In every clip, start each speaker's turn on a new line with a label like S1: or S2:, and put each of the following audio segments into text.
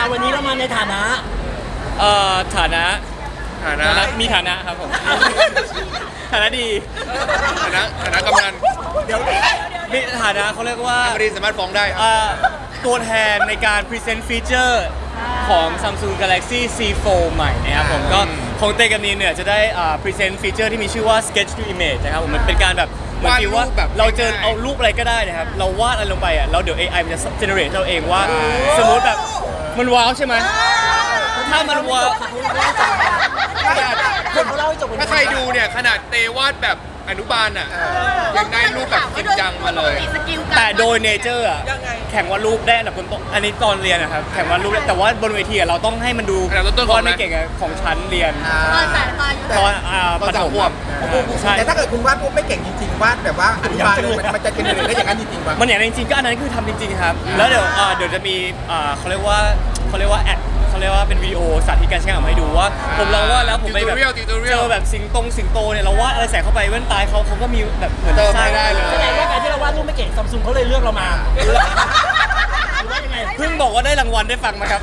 S1: วันนี้เรามาในฐานะ
S2: ฐานะ มีฐานะครับผมฐานะดี
S3: ฐานะกำนัน
S2: มีฐานะเขาเรียกว่า
S3: ไม่ได้สามารถฟ้องได้
S2: ตัวแทนในการพรีเซนต์ฟีเจอร์ของ Samsung Galaxy C4 ใหม่นะครับผมก็ของเตกับนีนเนี่ยจะได้พรีเซนต์ฟีเจอร์ที่มีชื่อว่า Sketch to Image นะครับผมมันเป็นการแบบเหมือนที่ว่าเราเจอเอารูปอะไรก็ได้นะครับเราวาดอะไรลงไปอ่ะแล้วเดี๋ยว AI มันจะ generate เราเองว่าสมมติแบบมันว้าวใช่ไหมถ้ามันว้าว
S3: ถ้าใครดูเนี่ยขนาดเตวาดแบบอนุบาลอ่ะยังได้รูปแบบจริงจังมาเลย
S2: แต่โดยเนเจอร์อ่ะแข่งวาดรูปได้อันดับต้นอันนี้ตอนเรียนนะครับแข่งวาดรูปแต่ว่าบนเวทีเราต้องให้มันดูวาดไม่เก่งของชั้นเรียนตอนประถม
S4: ใช่แต่ถ้าเกิดคุณวาดรูปไม่เก่งจริงๆวาดแบบว่าอนุบาลเลยมันจะเป็นได้อย่างนั้นจริงๆป่ะ
S2: มันอย่างนั้นจริงๆก็อันนั้นคือทำจริงๆครับแล้วเดี๋ยวจะมีเขาเรียกว่าแอดเขาเรียกว่าเป็นวิดีโอสาธิตการใช้งานให้ดูว่าผมลองวาดแล้วผมไปแบบเจอแบบสิงโตเนี่ยเราวาดอะไรใส่เข้าไปแว่นตาเขาก็มีแบบเหมือน
S3: สร้างได้เลย
S1: แสดงว่าการที่เราวาดรูปไม่เก่งซัมซุงเขาเลยเลือกเรามา
S2: เพิ่งบอกว่าได้รางวัลได้ฟังมาครับ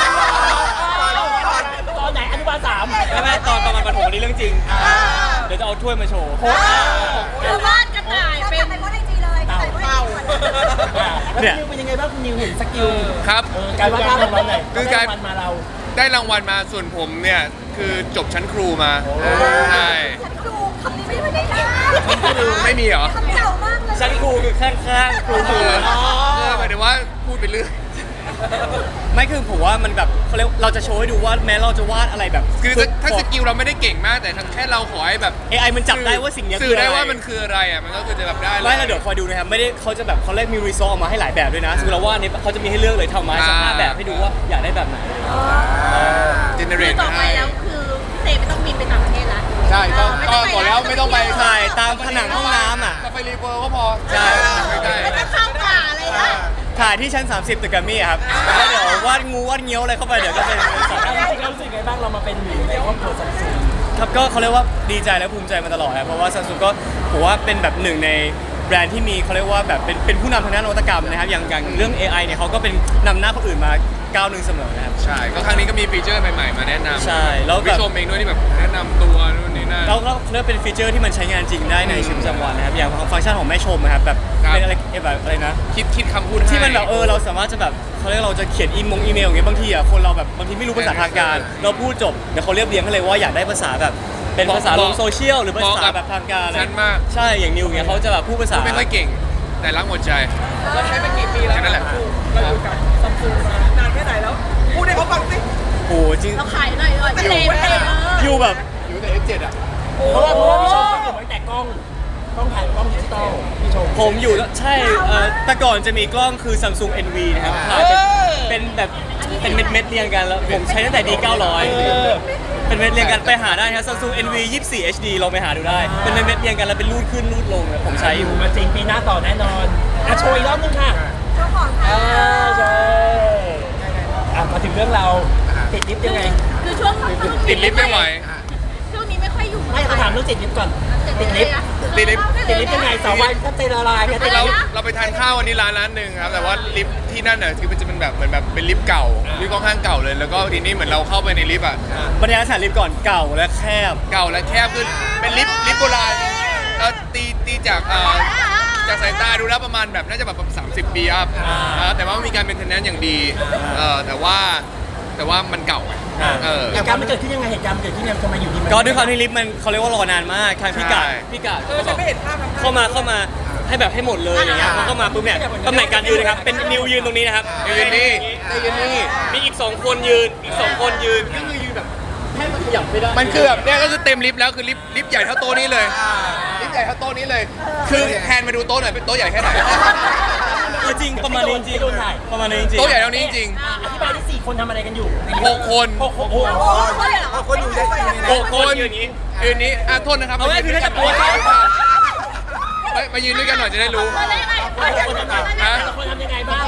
S1: ตอนไหนอนุบาล3
S2: ไม่ตอนประมาณประถมนี้เรื่องจริงเดี๋ยวจะเอาถ้วยมาโชว์
S5: คือวาดกระต่ายเป็นวาดไอจีเลยกระต่ายวาดไอจี
S1: เนี่ยเป็นยังไงบ้างคุณนิวเห็นสกิล
S3: ครับ
S1: การวาดภาพของเราหน่อย
S3: คือการ
S1: มาเรา
S3: ได้รางวัลมาส่วนผมเนี่ยคือจบชั้นครูมาใช่
S5: ชั้นครูคำนี้ไม่ได้
S3: ไม่มีเหรอ
S5: คำเก่ามากเลย
S2: ชั้นครูคือข้างๆครู
S3: หมายถึงว่าพูดไปเรื่อย
S2: ไม่คือผมว่ามันแบบเขาเรียกเราจะโชว์ให้ดูว่าแม้เราจะวาดอะไรแบบ
S3: คือถ้าสกิลเราไม่ได้เก่งมากแต่แค่เราขอให้แบบ
S2: AI มันจับได้ว่าสิ่งนี้
S3: สื่อได้ว่ามันคืออะไรอ่ะมันก็คือจะแบบได้
S2: ไม่เราเดี๋ยวคอยดูนะครับไม่ได้เขาจะแบบเขาเรียกมีรีซอสออกมาให้หลายแบบด้วยนะสมมติเราว่านี้เขาจะมีให้เลือกเลยทำมาสัก5แบบให้ดูว่าอยากได้แบบไหน
S3: เจเนเรต
S5: ต่อไปแล้วคือเตไม่ต้องบินไปต่างประเทศละ
S3: ใช่ก็บอกแล้วไม่ต้องไป
S2: ถ่ายตามผนังห้องน้ำอ่ะ
S3: ไปรีเวิร์ก็พอ
S2: ใช่
S5: ไม่ต้องเข้าป่าอะไรนะ
S2: ถ่ายที่ชั้น30ตึกแกรมมี่ครับแล้วเดี๋ยววาดงูวาดเงี้ยวอะไรเข้าไปเดี๋ยวก็เป็น
S1: จริงๆรู้สึกไงบ้างเรามาเป็นอยู่ในครอบครัวซัมซุง
S2: ครับก็เขาเรียกว่าดีใจและภูมิใจมาตลอดครับเพราะว่าซัมซุงก็ผมว่าเป็นแบบหนึ่งในแบรนด์ที่มีเขาเรียกว่าแบบเป็นผู้นำทางด้านนวัตกรรมนะครับอย่างเรื่อง AI เนี่ยเขาก็เป็นนำหน้าคนอื่นมาก้าวหนึ่งเสมอนะครับ
S3: ใช่ก็ครั้งนี้ก็มีฟีเจอร์ใหม่ๆมาแนะนำ
S2: ใช่แล้ว
S3: พี่ชมเองด้วยที่แบบแนะนำตัวนู่นนี่นั่น
S2: แล้วเรียกเป็นฟีเจอร์ที่มันใช้งานจริงได้ในชีวิตประจำวันนะครับอย่างฟังก์ชันของแม่ชมนะครับแบบเป็นอะไรแบบอะไรนะ
S3: คิดคำพูด
S2: ที่มันแบบเราสามารถจะแบบเขาเรียกเราจะเขียนอีเมลอย่างเงี้ยบางทีอ่ะคนเราแบบบางทีไม่รู้ภาษาทางการเราพูดจบเดี๋ยวเขาเรียบเรียงให้เลยว่าอยากได้ภาษาแบบเป็นภาษาลงโซเชียลหรือภาษาแบบทางการใช่อย่างนิวเงี้ยเขาจะแบบพูดภาษา
S3: ไม่ค่อยเก่งแต่รักหมดใจ
S1: เราใช้มากี่ปีแล้ว
S3: นั่นแหละ
S1: เราอยู่กับซัมซุงมานานแค่ไหนแล้วพูดให้เขาฟังสิ
S2: โอ้จริง
S5: เราขายหน่อย
S2: อยู่แบบ
S3: อยู่แต่ F7 อ่ะ
S1: เพราะว่าพี่ชมเขาอยู่ตั้งแต่กล้องถ่ายกล้องดิจิตอลพี่ชม
S2: ผมอยู่ใช่แต่ก่อนจะมีกล้องคือ Samsung NV นะครับถ่ายเป็นแบบเป็นเม็ดเรียงกันแล้วผมใช้ตั้งแต่ D900 เป็นเม็ดเรียงกันไปหาได้ครับ Samsung NV 24 HD ลองไปหาดูได้เป็นเม็ดเรียงกันแล้วเป็นรูดขึ้นรูดลงผมใช้อยู่
S1: มาจริงปีหน้าต่อแน่นอนโชว์อีกรอบนึงค่ะ
S5: เจ้าของค่ะ
S1: ใช่มาถึงเรื่องเราติดลิฟต์ยังไง
S5: คือช่วง
S3: ติดลิฟต์ไม่ไหว
S5: ช่วงนี้ไม่ค่อยอยู่
S1: ไม่ถามเรื่องติดลิฟต์ก่อนติดลิฟต์ยังไงสาววันก็เตละลายกัน
S3: เราไปทานข้าววันนี้ร้านนึงครับแต่ว่าลิฟต์ที่นั่นน่ะคือมันจะเป็นแบบเหมือนแบบเป็นลิฟต์เก่าลิฟต์ค่อนข้างเก่าเลยแล้วก็ทีนี้เหมือนเราเข้าไปในลิฟต์อ่ะ
S2: บรรยากาศลิฟต์ก่อนเก่าและแคบ
S3: ขึ้นเป็นลิฟต์โบราณตีจากสายตาดูแล้วประมาณแบบน่าจะแบบ30 ปีครับแต่ว่ามีการเป็นเทนแนนอย่างดีแต่ว่ามันเก่า
S1: เหตุการณ์มันเกิดขึ้นยังไงเหตุการณ์มันเกิดขึ้นยังไงทำไมอยู่ดีมัน
S2: ก็ด้วยความที่ลิฟต์มันเขาเรียกว่ารอนานมากทางพี่กาดเข้ามาให้แบบให้หมดเลยอย่างเงี้ยพอเข้ามาปุ๊บเนี่ยตำแหน่งการยืนนะครับเป็นนิวยืนตรงนี้นะครับ
S3: ยืนนี่
S2: มีอีก2 คนยืนก็คือยืนแบบแค่มันขยับไม่ได้
S3: มันคือแบบเนี่ยก็คือเต็มลิฟต์แล้วคือลิฟต์ใหญ่เท่าโต๊ะนี้เลยลิฟต์ใหญ่เท่าโต๊ะนี้เลยคือแทนมาดูโต๊ะหน่อยเป็นโต๊ะใหญ่แค่ไหน
S2: จริงประมาณนี้จริงประมาณนี้จริง
S3: โต๊ะใหญ่เท่านี้จริง
S1: อธิบายที่4 คนทำอะไรกันอยู่
S3: 6 คน
S4: อยู่ได้
S3: 6 คนยืนนี้โทษนะครับ
S2: เอาไว้คือถ้าจะปวด
S3: มายืนด้วยกันหน่อยจะได้รู้
S1: คนทำยังไงบ้าง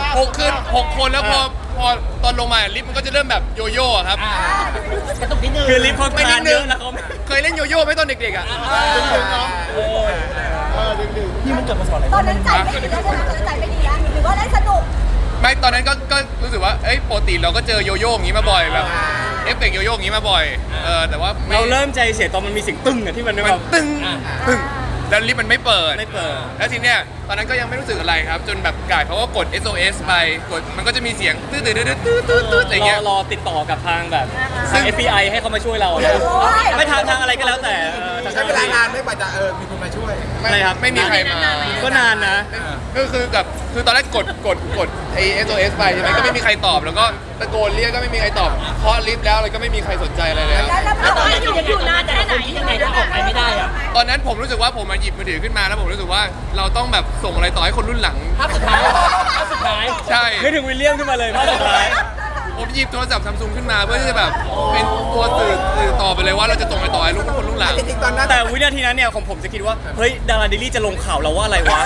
S3: 6 คนแล้วพอตอนลงมาลิฟต์มันก็จะเริ่มแบบโยโย่ครับ
S1: กระตุกนิดนึง
S2: คือลิฟต์เขาคลานเยอะแล้วเขา
S3: เคยเล่นโยโย่ไหมตอนเด็กๆอ่ะ
S1: นี่มันเกิดมาสอนอะไร
S5: ตอนนั้นใจไม่ดีแล้วใช่ไหมตอนนั้นใจไม่ดีแล้วหรือว่าได้สนุก
S3: ไม่ตอนนั้นก็รู้สึกว่าเอ้ยปกติเราก็เจอโยโย่อย่างนี้มาบ่อยแบบเอฟเฟกต์โยโย่อย่างนี้มาบ่อยแต่ว่าไม่
S2: เราเริ่มใจเสียตอนมันมีเสียงตึ้งอะที่มัน
S3: มัน
S2: แบบ
S3: ตึ้งตึ้งแล้วลิฟต์มันไม่เปิด
S2: ไม่เปิด
S3: แล้วทีเนี้ยตอนนั้นก็ยังไม่รู้สึกอะไรครับ จนแบบกายเขาก็กด SOS ไปกดมันก็จะมีเสียงตื้อตื้อตื้อตื้อตื้อตื้ออะไรเงี้ย
S2: รอติดต่อกับทางแบบ
S3: ซึ่
S2: ทาง ง FBI ให้เขามาช่วยเรานะไม่ทางอะไรก็แล้วแต่ทาง
S4: ใช้เวลานานไม่กว่าจะมีคนมาช่วย
S2: อะไรครับ
S3: ไม่มีใครมา
S2: ก็นานนะ
S3: คือตอนแรกกดไอ้ SOS ไปใช่ไหมก็ไม่มีใครตอบแล้วก็ตะโกนเรียกก็ไม่มีใครตอบเคาะลิฟต์แล้วอะไรก็ไม่มีใครสนใจอะไรแล้ว
S1: แล้วตอนนี้อยู่นานแค่ไหนยังไงถ้าออกไปไม่ได้อะ
S3: ตอนนั้นผมรู้สึกว่าผมมาหยิบมือถือขึ้นมาแล้วผมรู้สึกว่าเราต้องแบบส่งอะไรต่อให้คนรุ่นหลัง
S1: ภาพสุดท้ายภาพสุดท้าย
S3: ใช่
S2: นึกถึงวิลเลียมขึ้นมาเลยภาพสุดท้าย
S3: ผมหยิบโทรศัพท์ซัมซุงขึ้นมาเพื่อที่จะแบบเป็นตัวสื่อต่อไปเลยว่าเราจะส่งอะไรต่อให้ลูกคนรุ่นหลัง
S4: จริงๆตอนนั้น
S2: แต่วินาทีนั้นเนี่ยของผมจะคิดว่าเฮ้ยดาราดิลลี่จะลงข่าวเราว่าอะไรวะ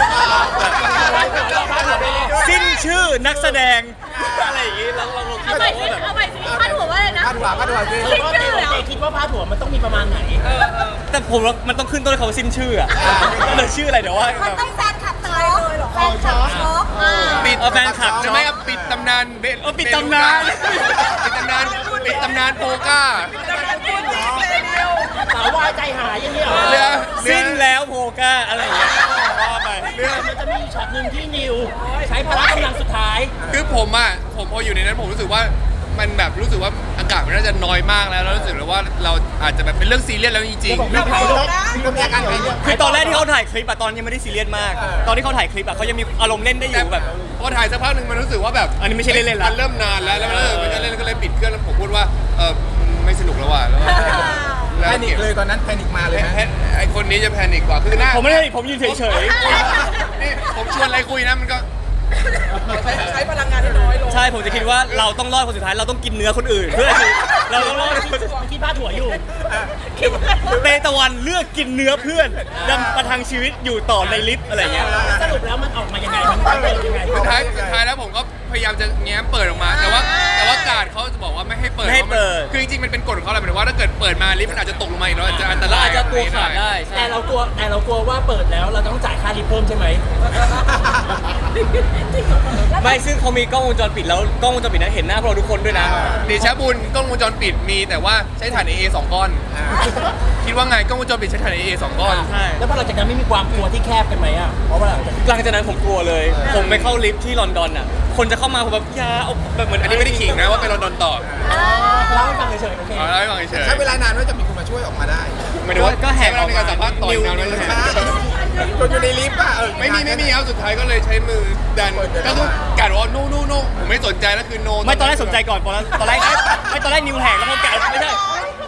S2: สิ้นชื่อนักแสดงอะไรอย่างงี้เราคิด
S5: เอาใหม่
S2: ว่า
S5: สิ
S2: แบบ
S5: เอาใหม่สิพาดหัวว่าอะไรนะ
S4: พาดหัวสิ
S5: สิ้นชื่อเหรอ
S1: เจคิดว่าพาดหัวมันต้องมีประมาณไหน
S2: แต่ผมว่ามันต้องขึ้นต้นด้วยคำว่าสิ้นชื่ออะก็เลยชื่ออะไรเดี๋ยวว่า
S5: มันต้องแฟนคลับตายเลยเหรอแฟนคลับช็อก
S3: ปิด
S2: แฟนคลับ
S3: ใช่ไหมปิดตำนานเบ
S2: ปิดตำนาน
S3: ปิดตำนานโปก้า
S1: สาววายใจหายอย่างนี้เหรอ
S3: เรือ
S2: สิ้นแล้วโพก้าอะไรอย่างเงี้ยว่าไป
S1: มันจะมีช็อตหนึ่งที่นิวใช้พละกำลังสุดท้าย
S3: คือผมพออยู่ในนั้นผมรู้สึกว่ามันแบบรู้สึกว่าอากาศมันน่าจะน้อยมากแล้วรู้สึกเลยว่าเราอาจจะแบบเป็นเรื่องซีเรียสแล้วจริง
S4: มีมีอาการไงเนี่ย
S2: คือตอนแรกที่เขาถ่ายคลิปอะตอนยังไม่ได้ซีเรียสมาก ตอนที่เขาถ่ายคลิปอะเขายังมีอารมณ์เล่นได้อ
S3: แต่
S2: ยู่แบบ
S3: พอถ่ายสักพักหนึ่งมันรู้สึกว่าแบบ
S2: อันนี้ไม่ใช่เล่นๆละ
S3: มันเริ่มนานแล้วมันจะเล่นก็เลยปิดเครื่องแล้วผมพูดว่าไม่สนุกแล้วว่ะแล้ว
S4: แพนิคเลยตอนนั้นแพนิคมาเลยนะ
S3: ไอคนนี้จะแพนิคกว่าคือหน้า
S2: ผมไม่ได้ผมยืนเฉย
S3: นี่ผมชวนอะไรคุยนะมันก็
S4: ใช้พลังงานให้น้อยลง
S2: ๆ ใช่ผมจะคิดว่าเราต้องรอดคนสุดท้ายเราต้องกินเนื้อคนอื่น เพื่อที่เราต้องรอดคนสุดท้าย
S1: ที่พาดหัวอยู่
S2: เตตะวันเลือกกินเนื้อเพื่อนดำประทังชีวิตอยู่ต่อในลิฟต์อะไรเงี้ย
S1: สรุปแล้วมันออกมายังไงมันเป็นยังไง
S3: สุดท้ายแล้วผมก็พยายามจะแง้มเปิดออกมา แต่ว่าการดเขาจะบอกว่าไม่ให้เปิด
S2: ไม่ให้เปิด
S3: คือจริงๆมันเป็นกฎของเขาแหละหมายถึงว่าถ้าเกิดเปิดมาลิฟต์มันอาจจะตกลงมาอีกแล้วอาจจะอันต
S2: เรา
S3: ราย
S2: อาจจะตัวขาดได้ใช่
S1: แต่เรากลัวว่าเปิดแล้วเราต้องจ่ายค่าลิฟต์เพิ่มใช่ไหม
S2: ไม่ซึ่งเขามีกล้องวงจรปิดแล้วกล้องวงจรปิดนั้นเห็นหน้าพวกเราทุกคนด้วยนะ
S3: เดชะบุญกล้องวงจรปิดมีแต่ว่าใช้ถ่าน AA 2 ก้อน คิดว่าไงกล้องวงจรปิดใช้ถ่าน AA 2 ก้อน
S2: ใช่
S1: แล้วพอหลังจากนั้นไม่มีความกลัวที่แคบกันไหมอ่ะเพราะว่าหลังจาก
S2: หลังจากนั้นผมกลัวเลย ผมไปเข้าลิฟต์ที่ลอนดอนอ่ะ คนจะเข้ามาผมแบบอยาเอาแบบเหมือน
S3: อันนี้ไม่ได้ขิงนะว่าไปลอนดอนต่อ
S1: เล่าให้ฟังเฉยๆโอเค
S3: เอาเล่าให้ฟังเฉย
S4: ใช้เวลานานว่าจะมีคนมาช่วยออกมาได้
S3: ๆหมายถึงว่า
S2: ก็แหกออก
S3: ใช้เวลาในการสัมภาษณ์ต่อยนานไหม
S4: จนอยู่ในลิฟต์อ่ะ
S3: ไม่มีครับสุดท้ายก็เลยใช้มือดันก็คือกาดว่าโน่ผมไม่สนใจแล้วคือโน
S2: ไม่ตอนแรกสนใจก่อนตอนแรกไม่ตอนแรกนิวแหกแล้วพอกาดไม่ใช่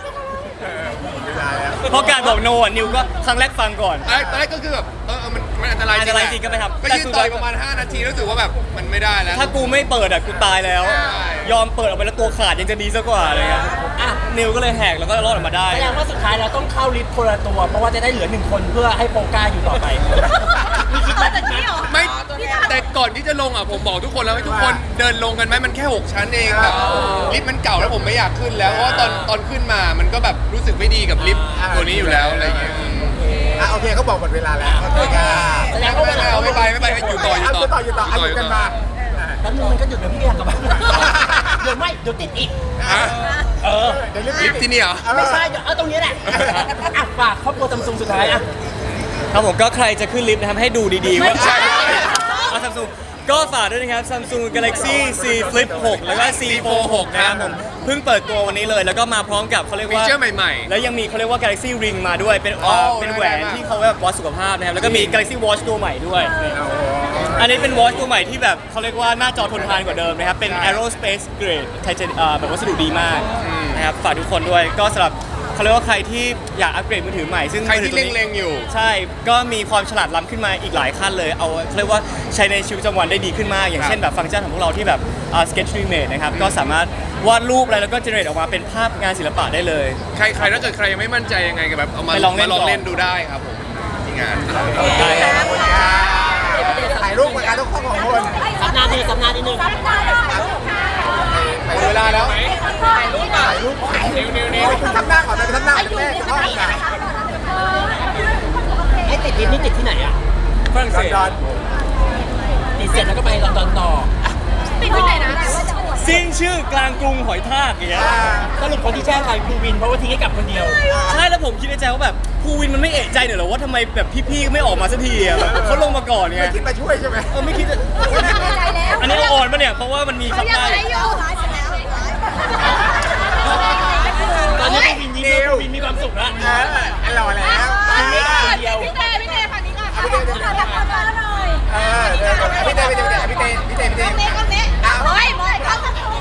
S2: พอกาดบอกโนอ่ะนิวก็ครั้งแรกฟังก่อน
S3: ตอนแรกก็คือแบบมันอันตราย
S2: อันตรายจริงก็ไม่ทำ
S3: ก็ยืนต่อยประมาณ5 นาทีรู้สึกว่าแบบมันไม่ได้แล้ว
S2: ถ้ากูไม่เปิดอ่ะกูตายแล้ว
S3: ใช่
S2: ยอมเปิดออกไปแล้วตัวขาดยังจะดีซะกว่าอะไรเงี้ย
S1: อ่ะ
S2: นิวก็เลยแหกแล้วก็รอดออกมาได้
S1: แสดงว่าสุดท้ายเราต้องเข้าลิฟต์คนละตัว เพราะว่าจะได้เหลือ1 คนเพื่อให้โปก้าอยู่ต่อไปมีคิดว่าจะคิด
S3: ไม่แต่ก่อนที่จะลงอ่ะผมบอกทุกคนแล้วให้ทุกคนเดินลงกันไหมมันแค่ 6 ชั้นเองแบบลิฟต์มันเก่าแล้วผมไม่อยากขึ้นแล้วเพราะว่าตอนขึ้นมามันก็แบบรู้สึกไม่ดีกับลิฟต์ตัวนี้อยู่แล้วอะไรอย่างเงี้ย
S4: โอเคเขาบอกหมดเวลาแล้วโอเคค่ะ
S1: แสดงว่าเวลา
S3: ไม่ไปอยู่ต่อ
S4: อยู่ต่ออยู่กันมา
S1: แป๊บนึงมันก็หยุดแล้วพี่อยากกลับบ้านเดี๋ยวไม่เดี๋ยวติดอีก เออ
S4: เดี๋ยว
S3: ลิฟต์ที่นี่เหรอ
S1: ไม่ใช่เดี๋ยวเอาตรงนี้แหละอ่ะฝากครอบครัวซัมซุงสุดท้ายอ่ะ
S2: ครับผมก็ใครจะขึ้นลิฟต์นะครับให้ดูดีๆว่า
S3: ใช่
S2: เอาซัมซุงก็ฝากด้วยนะครับ Samsung Galaxy C Flip 6 แล้วก็ C Fold 6 นะครับผมเพิ่งเปิดตัววันนี้เลย แล้วก็มาพร้อมกับเขาเรียก
S3: ฟี
S2: ว่า
S3: เจอร์ใหม่ๆ
S2: แล้วยังมีเขาเรียกว่า Galaxy Ring มาด้วยเป็น
S3: โอ้
S2: เป็นแหวน
S3: ได้
S2: ที่เขาแบบวัดสุขภาพนะครับแล้วก็มี Galaxy Watch ตัวใหม่ด้วยนี่อันนี้เป็น Watch ตัวใหม่ที่แบบเขาเรียกว่าหน้าจอทนทานกว่าเดิมนะครับเป็น Aerospace Grade ไทเทเนียมแบบวัสดุดีมากนะครับฝากทุกคนด้วยก็สำหรับเขาเรียกว่าใครที่อยากอัปเกรดมือถือใหม่ซึ่ง
S3: ใครที่
S2: มือถือตัวนี้
S3: เล็งๆอยู่
S2: ใช่ ก็มีความฉลาดล้ำขึ้นมาอีกหลายขั้นเลย เอาเขาเรียกว่าใช้ในชีวิตประจำวันได้ดีขึ้นมาก อย่างเช่นแบบฟังก์ชันของพวกเราที่แบบ sketch remake นะครับ ก็สามารถวาดรูปอะไรแล้วก็ generate ออกมาเป็นภาพงานศิลปะได้เลย
S3: ใครถ้าเกิดใครยังไม่มั่นใจยังไงก็แบบเอามา
S2: ไปลองเล่น
S3: เล่นดูได้ครับผมที่งาน
S2: ได้ครับ
S4: ถ่ายรูปกับการทุกข้อของคน
S1: สัปดาห์นี้สัปดาห์นี้นึง
S3: หมดเวลาแล้ว
S4: ถ่ายรูปนิ้วคุณทำหน้าก่อนไปทำหน้าเป็นแม่จะห้องกัน
S1: ไอ้ติดลิฟต์นี่ติดที่ไหนอ่ะ
S2: ฝรั่ง
S4: ล
S2: เศ
S4: อน
S2: ส
S4: ดอน
S1: ติดเสร็จแล้วก็ไปลอนดอนต่ออ่ะ
S5: ปิดที่ไหนนะ
S2: สิ้นชื่อกลางกรุงหอยทากอย่างเงี้ย
S1: สรุปคนที่แช่งใครภูวินเพราะว่าทิ้งให้กับคนเดียว
S2: ใช่แล้วผมคิดในใจว่าแบบภูวินมันไม่เอะใจหน่อยเหรอว่าทำไมแบบพี่ๆไม่ออกมาสักทีอะแบบเขาลงมาก่อนไง
S4: ไม่คิดมาช่วยใช่ไหม
S2: ไม่คิดจะ
S5: ใจแล้ว
S2: อันนี้เอาอ่อนปะเนี่ยเพราะว่ามันมี
S5: เขา
S2: คำ
S5: ยัง
S2: ใต้
S5: ไงอยู่ร้ายเสร็จแล้ว
S1: ตอนนี้ภูวินยิ้มแล้วภูวินมีความสุขแล้ว
S4: หล่อแล้ว
S5: พี่เต้ฝั่งนี้ก่อนพี่เต้ขอคนมาหน่อย
S4: พี่เต้
S5: กล้องนี้โอ้ยมองกล้อง